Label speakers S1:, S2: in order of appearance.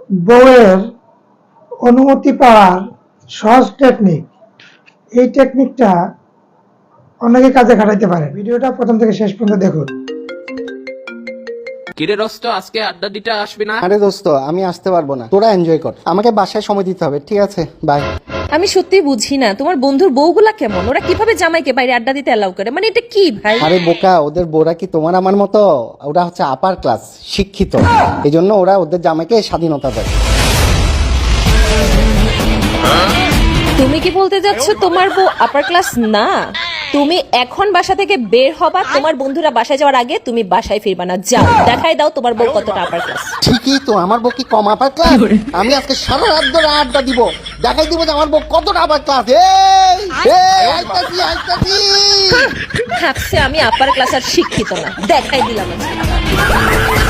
S1: বউয়ের অনুমতি পাওয়ার সহজ টেকনিক। এই টেকনিকটা অনেকে কাজে খাটাইতে পারে। ভিডিওটা প্রথম থেকে শেষ পর্যন্ত দেখুন।
S2: কিরে দোস্ত, আজকে আড্ডা দিতে আসবি না?
S3: আরে দোস্ত, আমি আসতে পারবো না, তোরা এনজয় কর, আমাকে বাসায় সময় দিতে হবে। ঠিক আছে, বাই।
S4: আমি সত্যি বুঝি না তোমার বন্ধুর বউগুলা কেমন, ওরা কিভাবে জামাইকে বাইরে আড্ডা দিতে অ্যালাউ করে, মানে এটা কি ভাই?
S3: আরে বোকা, ওদের বোরা কি তোমার আমার মতো? ওরা হচ্ছে আপার ক্লাস, শিক্ষিত, এই জন্য ওরা ওদের জামাইকে স্বাধীনতা দেয়।
S4: তুমি কি বলতে যাচ্ছ তোমার বউ আপার ক্লাস না? তুমি এখন বাসা থেকে বের হবা, তোমার বন্ধুরা বাসায় যাওয়ার আগে তুমি বাসায় ফিরবা না। যাও, দেখাই দাও তোমার বউ কতটা আপার ক্লাস।
S3: ঠিকই তো, আমার বউ কি কম আপার ক্লাস? আমি আজকে সারা রাত ধরে আড্ডা দিব, দেখাই দিব যে আমার বউ কতটা আপার ক্লাস। আইতাছি আইতাছি।
S4: ভাবছে আমি আপার ক্লাস আর শিক্ষিত না, দেখাই দিলাম আজকে।